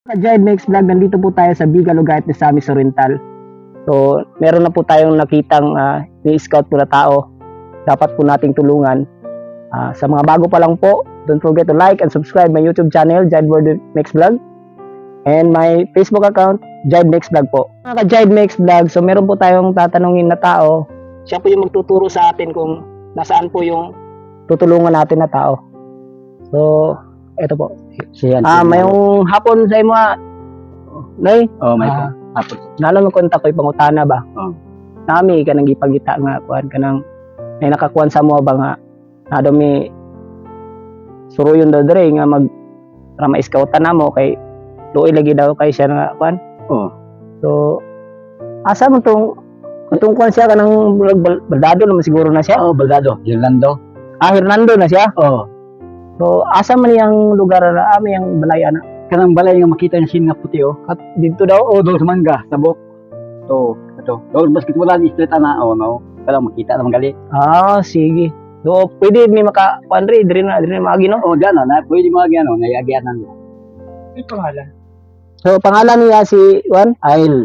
Ka-Jive Makes Vlog, nandito po tayo sa Biga Lugait de Samis Oriental. So, meron na po tayong nakitang ni-scout po na tao. Dapat po nating tulungan. Sa mga bago pa lang po, don't forget to like and subscribe my YouTube channel, Jive Makes Vlog. And my Facebook account, Jive Makes Vlog po. Mga ka-Jive Makes Vlog, so meron po tayong tatanungin na tao. Siya po yung magtuturo sa atin kung nasaan po yung tutulungan natin na tao. So, eto po. Siyan. Mayong hapon sa imo, Nay? May hapon. Nalo mo kontak ko'y pangutana ba? Nami ka nang gipagita nga kuan ka nang may nakakuan sa mo ba nga nado mi suruyon daw dre nga mag para ma-scoutan na mo kay luoy lagi daw kay siya nga kuan. So asa mo tong kuan siya kanang baldado naman siguro na siya. Baldado. Hernando. Hernando na siya. So asa man yang lugar na yang balay ana? Kanang balay nga makita niya sin nga puti At dito daw doon sa mangga, sa buk. Ito. Doon basket wala ni street ana no. Kala makita naman gali. Sige. So pwede mi maka kuan dre na maagi no? Diyan na pwede mo gyano, nayagyanan mo. Ano pangalan? So pangalan niya si Juan Ail.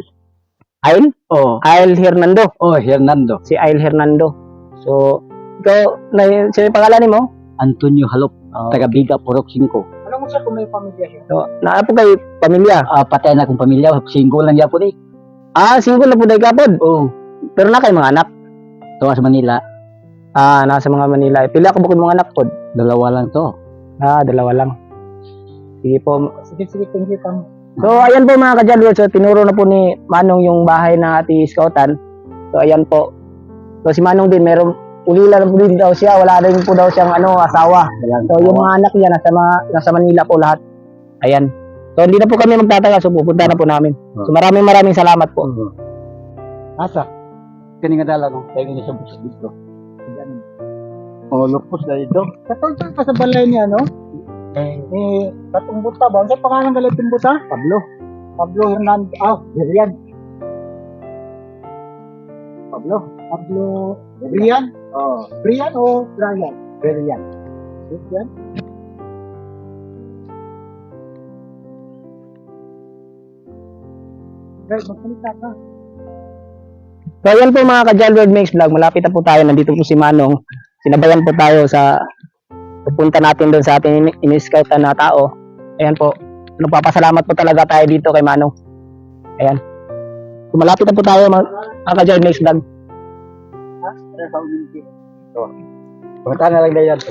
Ail Hernando. Hernando. Si Ail Hernando. So ikaw na sino pangalan nimo? Antonio Halop, taga Biga Purok 5. Alam mo siya kung may pamilya siya? So, naa po kay pamilya? Patay na kong pamilya, single lang yapon eh. Single na po dahil kapod? Pero na kay mga anak? Tuwa sa Manila. Nasa mga Manila. Pila ko bukod mga anak po? 2 lang to. 2 lang. Sige po. Sige, thank you po. So, ayan po mga ka-Jalward. So, tinuro na po ni Manong yung bahay ng ating scoutan. So, ayan po. So, si Manong din, meron ulila lang po din daw siya, wala rin po daw siyang asawa. So yung mga anak niya nasa Manila po lahat. Ayan. So hindi na po kami magtataga, so pupunta na po namin. So maraming salamat po. Asa? Kani nga dala no, tayo nga sa bus dito. Lupos na dito. Katulad pa sa balay niya, no? Katong buta ba? Ano pangalan ng galit yung buta? Pablo Hernando. Brian. Pablo Brian? Brian o Brian? Brian. Magsalita ka. So ayan po mga ka-Jalward Makes Vlog, malapit na po tayo, nandito po si Manong. Sinabayan po tayo sa pupunta natin doon sa ating in-scoutan na tao. Ayan po, nagpapasalamat po talaga tayo dito kay Manong. Ayan. So malapit na po tayo mga ka-Jalward Makes Vlog. Pumunta na lang na yan.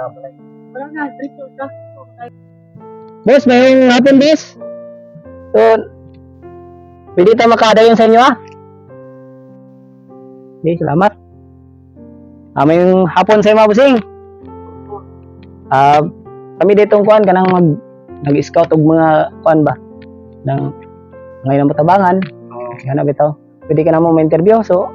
Boss, may hapon, boss. So, pwede tayo makadayon sa inyo, Okay, salamat. May hapon sa inyo, mga busing. Kami ditong kuan, kanang nag-scout og mga kuan ba? Ngayon ang matabangan. Hanap ito. Pwede ka na mo ma-interview, so,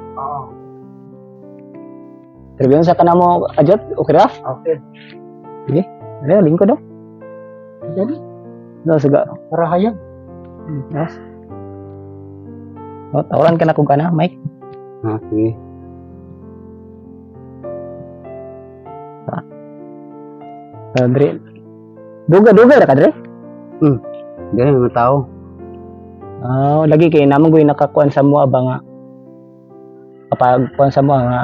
interview sa kanang mo, Ajot, okay ra? Okay. Sige, lingkod daw. Jadi? No, suga. Para hayag. Yes. Tawaran ka na kung kana, Mike. Sige. Dre. Duga ra ka, Dre? Ganyan mga tao. Lagi kay namang goy nakakuan sa mo ba nga. Kapag kuan sa mo nga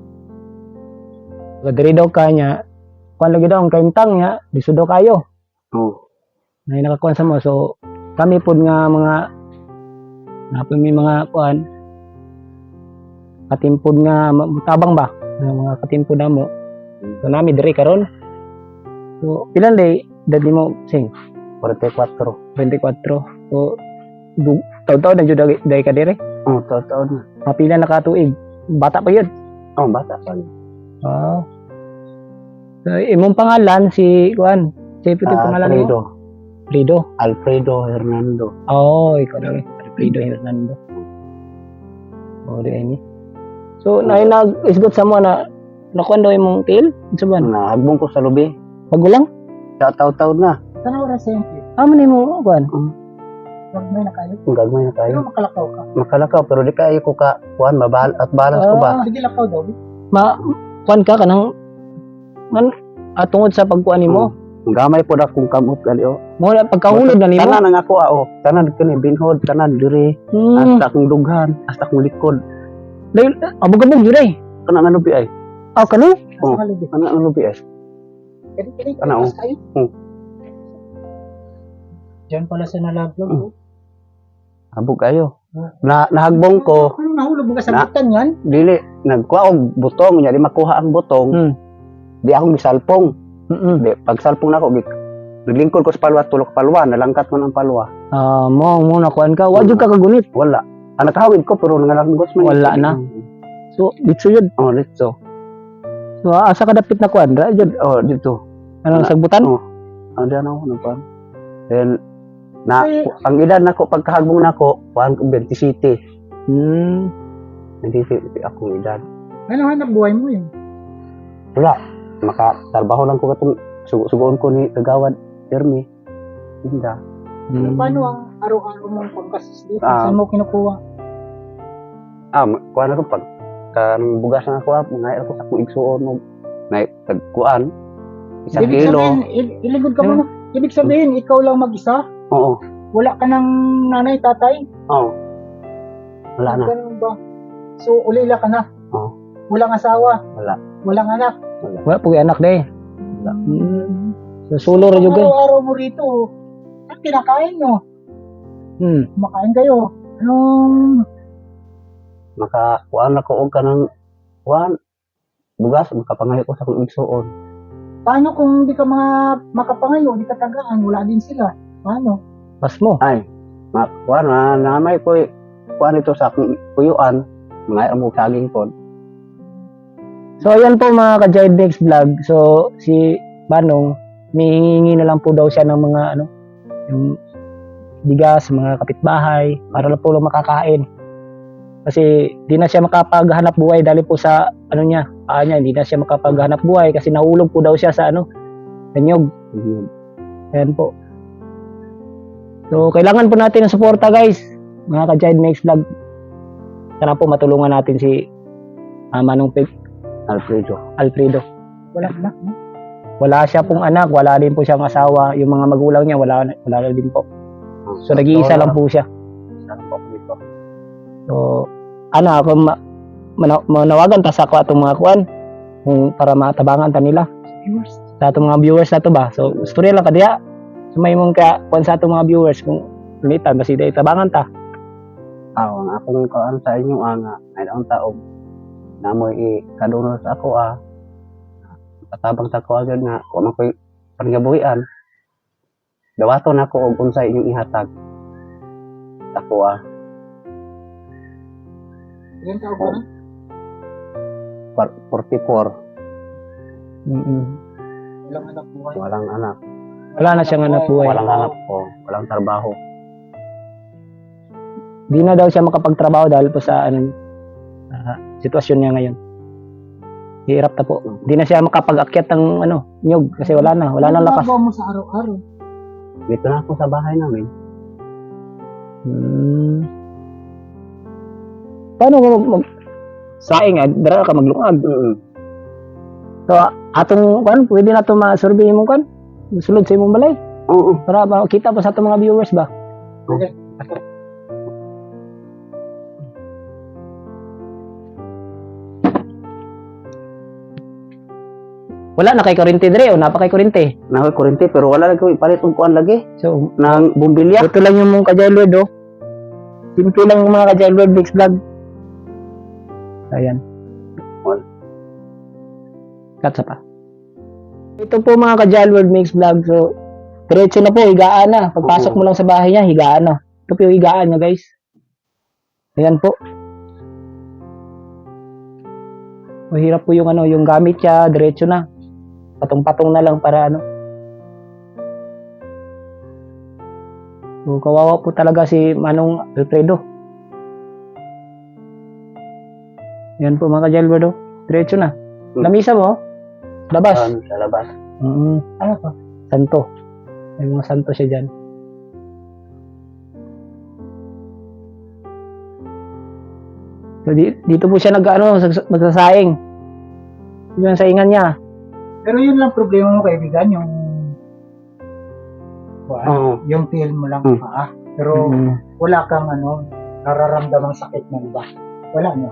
diri daw kanya kuan lagi daw ang kaintang niya disudo kayo. Nay nakakuan sa mo, so kami pod nga mga napon mi mga kuan katimpod nga tabang ba nga mga katimpod namo. So nami diri karon. So pilan day dadi mo sing 44. 24. So taon-taon na jud day ka dire. Taon na. Mapila na ka tuig. Bata pa yun. Bata pa. So, imong pangalan si Juan. Si puti pangalan mo? Alfredo Hernando. Ikaw daw eh. Alfredo Hernando. Di ini. So, nag-isgot sa mo na nakuan daw imong tail? Sa ban? Nahagbong ko sa lubi. Magulang? Sa taw-taw na. Sana oras sa inyo? Man mo, Juan? Gagmay na kayo? Gagmay na kayo. Pero makalakaw ka? Makalakaw, pero di kayo ko ka, Juan, balance ko ba? Sige lakaw daw. Kuan ka kanang tungod sa pagkuan nimo, Gamay po na kung kamot gali o. Mo pagkahulog na nimo. Tanan ang ako o. Tanan kani binhod, tanan diri. Hasta akong dughan, hasta akong likod. Dahil abog-abog yun eh. Kana nga lubi ay. Ah, kano? Oh. Kana nga lubi ay. Ano? Diyan pala sa nalaglag. Abog kayo. Nahagbong ko, Ano nahulog mo ka sa Na- butan yan? dili nagkuha og butong, nya di makuha ang butong. Di akong gisalpong. Di pagsalpong nako naglingkod ko sa palwa, tulok palwa, nalangkat ko ng palwa. Mo nakuan ka. Wa jud ka kagunit. Wala. Nakahawid ko pero nangalanggos man. Wala na. So, dito yun. Oh, dito. So, asa ka dapit na kuan? Ra jud. Oh, dito. Ano Wala. sagbutan? Oh. Ano diyan ako nagkuhan. Then ang edad nako pagkahagbong nako, kuan ko 27. Hindi ako edad. Ano hanap buhay mo yun? Wala. Makatrabaho lang ko katong sugoon ko ni Kagawad Jeremy. Hinda. Paano ang araw-araw mong pagkasis dito? Ah. Saan mo kinukuha? Kuan ako pag kanang bugas na ako, mga ako sa kong igsuon mo. Na tagkuan. Isang Ibig kilo. sabihin, iligod ka muna. Ibig sabihin, ikaw lang mag-isa? Oo. Wala ka ng nanay, tatay? Oo. Wala na. Ganun ba? So, ulila ka na? Oo. Walang asawa? Wala. Walang anak? Wala po anak de. Wala. So, sulo ra jud kay. Araw-araw mo rito, ano kinakain nyo? Kumakain kayo. Anong Makakuan ako og kanang kuan. Bugas makapangayo ko sa kong igsuon. paano kung di ka makapangayo, di ka tagaan, wala din sila? Paano? Pas mo. Ay, kuan na namay ko kuan ito sa akong kuyuan. Mga mo saging pod. So, ayan po mga ka-Jive Mix Vlog. So, si Manong, mihingi na lang po daw siya ng mga yung bigas, mga kapitbahay, para lang po lang makakain. Kasi di na siya makapaghanap buhay dahil po sa niya, hindi na siya makapaghanap buhay kasi nahulog po daw siya sa nanyog. Ayan po. So, kailangan po natin ng suporta guys, mga ka-Jive Mix Vlog. Sana po matulungan natin si Manong Alfredo. Wala anak, no? Wala siya pong anak, wala din po siyang asawa. Yung mga magulang niya, wala din po. So, nag-iisa lang po siya. So, ako manawagan ta sa ako atong mga kuan para matabangan ta nila. Viewers. Sa atong mga viewers na to ba. So, story lang kadiya. So, may mong kuan sa atong mga viewers kung ulitan, basi day tabangan ta. Ang akong kuan sa inyo nga ay daong taog namoy kadunol sa ako katabang sa ako agad nga wa man koy panggabuhian. Dawaton ako og unsay inyong ihatag. Ako Ilan taon ka na? 44, Walang anak buhay. walang anak, Wala na siyang anak buhay. walang anak ko, walang trabaho. Di na daw siya makapagtrabaho dahil po sa sitwasyon niya ngayon. Hirap na po. Di na siya makapag-akyat ng nyog kasi wala na Ano lakas. ginagawa mo sa araw-araw? Dito na ako sa bahay namin. Paano ko saing dara ka maglungag? So atong pwede na to ma-survey mo sulod sa imong balay Oo. para makita pa sa atong mga viewers ba. Okay. Wala na kay kurente dire o napa kay kurente. Nakoy kurente pero wala lagi ko ipalit og kuan lagi So nang bumbilya. ito lang yung mong ka-Jailward Simple lang yung mga ka-Jailward Mix Vlog. Ayan. Katsa pa. Ito po mga ka-Jailward Mix Vlog. So, diretso na po, higaan na. Pagpasok mo lang sa bahay niya, higaan na. Ito po yung higaan niya guys. Ayan po. Mahirap po yung yung gamit niya, diretso na. Patong-patong na lang para So, kawawa po talaga si Manong Alfredo. Yan po mga ka-Jailward diretso na. Lamisa mo, labas. Sa labas. Ano pa? Santo. May mga santo siya dyan. So, dito po siya magsasaing. Yun ang saingan niya. Pero yun lang problema mo kaibigan, yung kuan, Oo. yung tiil mo lang Hmm. paa. Pero Mm. wala kang nararamdamang sakit ng iba. Wala no.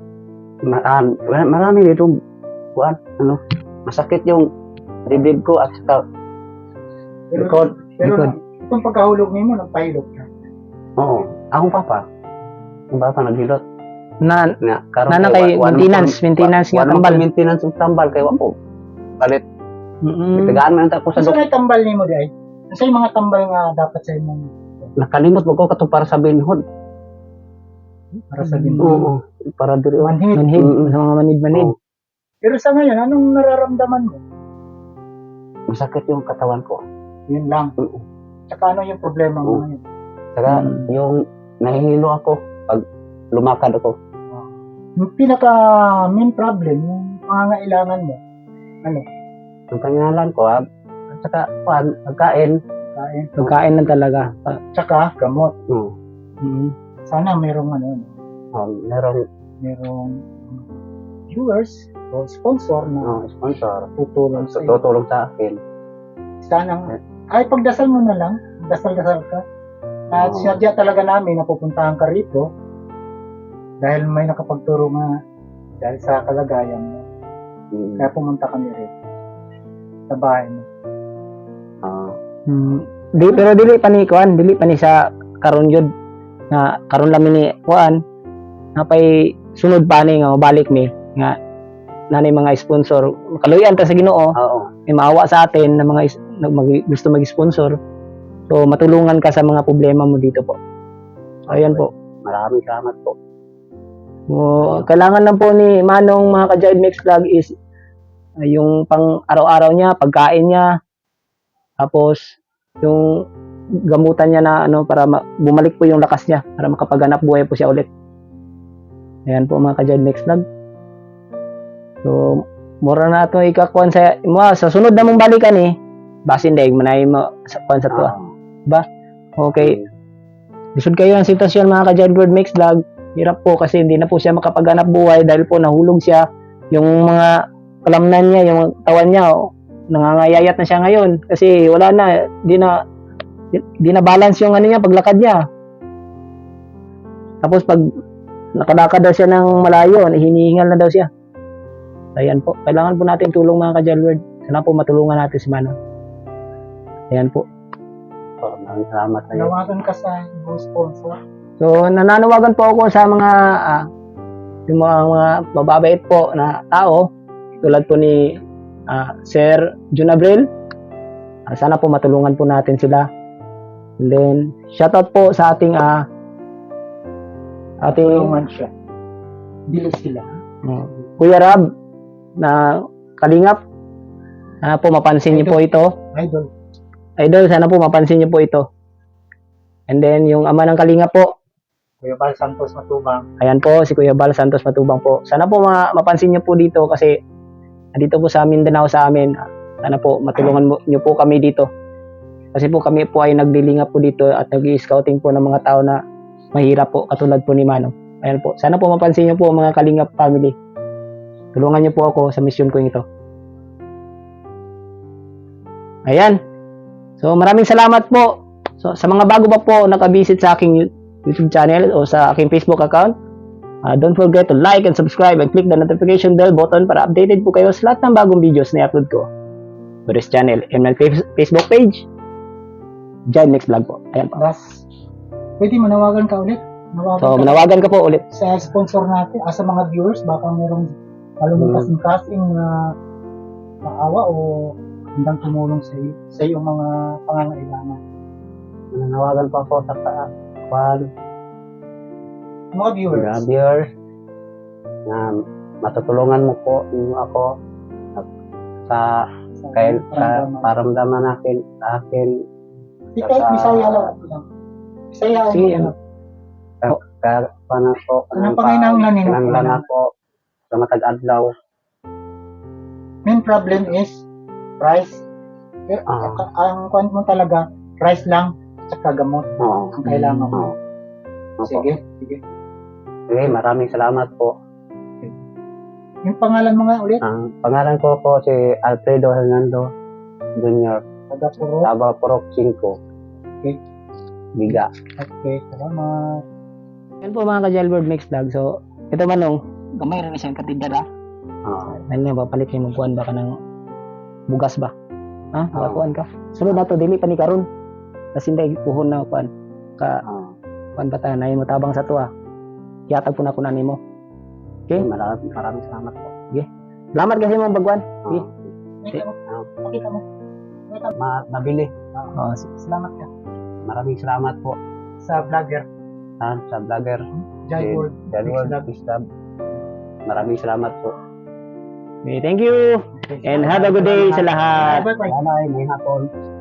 Marami dito, kuan, masakit yung dibdib ko at saka Pero, likod. pero itong pagkahulog nimo nagpahilot ka. Oo. Akong papa. Ang papa naghilot. Na Karon Nana kay maintenance nga tambal. Maintenance ng tambal kay wako. Palit. Mm. Tagaan man ta ko sa Sa doktor. may tambal nimo di ay. Sa yung mga tambal nga dapat sa imong Nakalimot mo ko katong para sa binhod. para sa din. Oo. Para diri. Manhid. Manhid, Mm. sa mga manid-manid. Oo. Pero sa ngayon, anong nararamdaman mo? Masakit yung katawan ko. Yun lang. Oo. Tsaka ano yung problema mo Oo. ngayon? Saka Mm. yung nahihilo ako pag lumakad ako. Yung pinaka main problem, yung pangangailangan mo, Ang pangalan ko, at saka pagkain. kain, Pagkain lang talaga. tsaka gamot. Oo. Mm. Sana merong Merong merong viewers o sponsor na sponsor. tutulong sa iyo. Tutulong sa akin. Sana, ay pagdasal mo na lang, dasal-dasal ka. At Oo. sinadya talaga namin na pupuntahan ka rito dahil may nakapagturo nga dahil sa kalagayan mo. Mm. Kaya pumunta kami rito sa bahay mo. Mm. Pero dili pa ni kuan, dili pa ni sa karon yun nga karon lamin ni kuan nga pay sunod pa ni nga mabalik mi nga nanay mga sponsor kaluyan ta sa Ginoo Oo. may maawa sa atin na mga gusto mag-sponsor, so matulungan ka sa mga problema mo dito po. Ayan po. Maraming salamat po. Kailangan lang po ni Manong mga ka-Jive Mix Vlog is yung pang araw-araw niya, pagkain niya, tapos yung gamutan niya na para bumalik po yung lakas niya para makapaganap buhay po siya ulit. Ayan po mga ka-Jive Mix Vlog. So mura na ito ikakuan sa sunod na mong balikan basin daig manay mo sa kuan sa tuwa. Okay. Lisod kayo ang sitwasyon mga ka-Jive Mix Vlog. Hirap po kasi hindi na po siya makapaganap buhay dahil po nahulog siya. Yung mga kalamnan niya, yung tawan niya, nangangayayat na siya ngayon kasi wala na, di na balance yung niya, paglakad niya. Tapos pag nakalakad daw siya ng malayo, hinihingal na daw siya. Ayan po, kailangan po natin tulong mga ka-Jive. Sana po matulungan natin si Manong. Ayan po. Maraming salamat sa iyo. Nawagan ka sa ibang sponsor. So, nananawagan po ako sa mga yung mga mababait po na tao tulad po ni Sir Jun Abril. Sana po matulungan po natin sila. And then, shoutout po sa ating Tulungan siya. Dili sila. Kuya Rab na Kalingap. Sana po mapansin niyo po ito. Idol. Idol, sana po mapansin niyo po ito. And then, yung ama ng Kalingap po, Kuya Bal Santos Matubang. ayan po, si Kuya Bal Santos Matubang po. Sana po mapansin niyo po dito kasi dito po sa Mindanao sa amin. Sana po matulungan niyo po kami dito. Kasi po kami po ay nagdilinga po dito at nag-i-scouting po ng mga tao na mahirap po katulad po ni Manong. Ayan po. Sana po mapansin niyo po mga Kalingap family. Tulungan niyo po ako sa mission ko ito. Ayan. So maraming salamat po. So sa mga bago pa po nakabisit sa aking YouTube channel o sa aking Facebook account, don't forget to like and subscribe and click the notification bell button para updated po kayo sa lahat ng bagong videos na i-upload ko to this channel and my Facebook page, Jive Mix Vlog po. Ayan po. Das, pwede manawagan ka ulit. So manawagan ka po ulit. Sa sponsor natin, sa mga viewers, baka merong malumang kasing-kasing na maawa o handang tumulong sa iyong mga pangangailangan. Nanawagan pa ako sa Mga viewers, viewers na matutulungan mo po ako sa paramdaman natin sa akin Di kahit Bisaya lang. Bisaya Sige, lang. kanang pangailangan nimo? Kinanglan ako sa matag adlaw. Main problem is price. Ang kwan mo talaga, price lang at gamot Oo. ang kailangan mo. Opo. Sige. Sige, maraming salamat po. Yung pangalan mo nga ulit, Ang pangalan ko po si Alfredo Hernando Jr. taga Puro. Taba Porok 5. Okay. Biga. Okay, salamat. Yan po mga ka-Jailbird Mix Vlog. So, ito manong, gamay rin na siyang katindad ha. Ano nga ba, palit niyo magkuhan ba ka ng bugas ba? Ha? Makakuhan ka? Sunod na to, dili pa ni karon. Kasi hindi puhon na kuhan. Kuhan ba tayo, nahin mo tabang sa to ha. Yatag po na ko na nimo. Okay? Maraming salamat po. Salamat kasi mong bagwan. Okay. Pakita mo. Pakita mo. Nabili. Oh, Salamat ka. Maraming salamat po Sa vlogger, sa vlogger. Jailbird. Jailbird Mix Vlog. Maraming salamat po. okay, thank you. And have a good day sa lahat. Bye-bye. Bye-bye. May hapon.